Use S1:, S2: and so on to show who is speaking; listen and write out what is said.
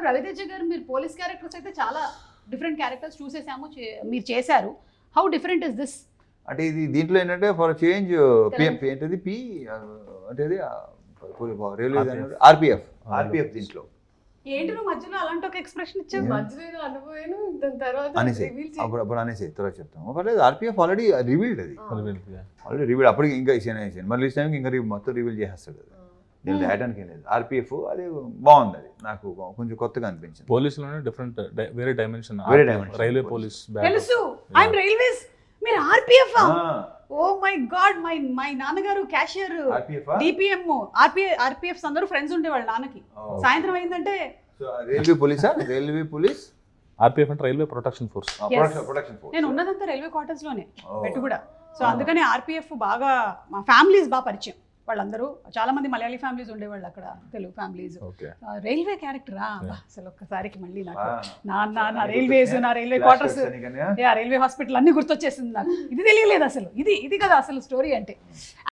S1: రవితేజ గారు మీరు police characters అయితే చాలా డిఫరెంట్ క్యారెక్టర్స్ చూసేసాము, మీరు చేశారు. How different is this?
S2: అంటే ఇది దీంట్లో ఏంటంటే ఫర్ చేంజ్ ఏంటది పి అంటే అది రైల్వే ఆర్పిఎఫ్ దీంట్లో
S1: ఏంటి నువ్వు మధ్యలో అలాంటి ఒక ఎక్స్ప్రెషన్ ఇచ్చావు?
S3: మధ్యలో అనుభవాను దాని తర్వాత
S2: అనేసి అప్పుడు అనేసి తర్వాత చెప్తాము. పర్లేదు, ఆర్పిఎఫ్ ఆల్రెడీ రివీల్డ్, అది ఆల్రెడీ రివీల్డ్. అప్పటికి ఇంకా సినిమా రిలీజ్ టైంకి ఇంకా మొత్తం రివీల్ చేసేస్తాడు. అది నేను రాయడానికి ఏం లేదు. ఆర్పిఎఫ్ అది బాగుంది, అది నాకు కొంచెం కొత్తగా అనిపించింది.
S4: పోలీసులోనే డిఫరెంట్ వేరే డైమెన్షన్, రైల్వే పోలీస్.
S1: తెలుసు, ఐఎమ్ రైల్వేస్, మీరు RPF. Oh my god, my నాన్నగారు క్యాషియర్, డిపిఎం, ఆర్పిఎఫ్ అందరూ ఫ్రెండ్స్ ఉండేవాళ్ళు నాన్నకి. సాయంత్రం అయిందంటే
S2: రైల్వే పోలీస్
S4: ఆర్పిఎఫ్ అంటే రైల్వే ప్రొటెక్షన్ ఫోర్స్.
S1: నేను ఉన్నదంతా రైల్వే క్వార్టర్స్ లోనే పెట్టు కూడా. సో అందుకని ఆర్పిఎఫ్ బాగా, మా ఫ్యామిలీస్ బాగా పరిచయం. వాళ్ళందరూ చాలా మంది మలయాళీ ఫ్యామిలీస్ ఉండేవాళ్ళు అక్కడ, తెలుగు ఫ్యామిలీస్. రైల్వే క్యారెక్టరా అసలు ఒక్కసారికి మళ్ళీ నాకు నా రైల్వేస్, నా రైల్వే క్వార్టర్స్, రైల్వే హాస్పిటల్ అన్ని గుర్తొచ్చేసింది నాకు. ఇది తెలియలేదు అసలు, ఇది కదా అసలు స్టోరీ అంటే.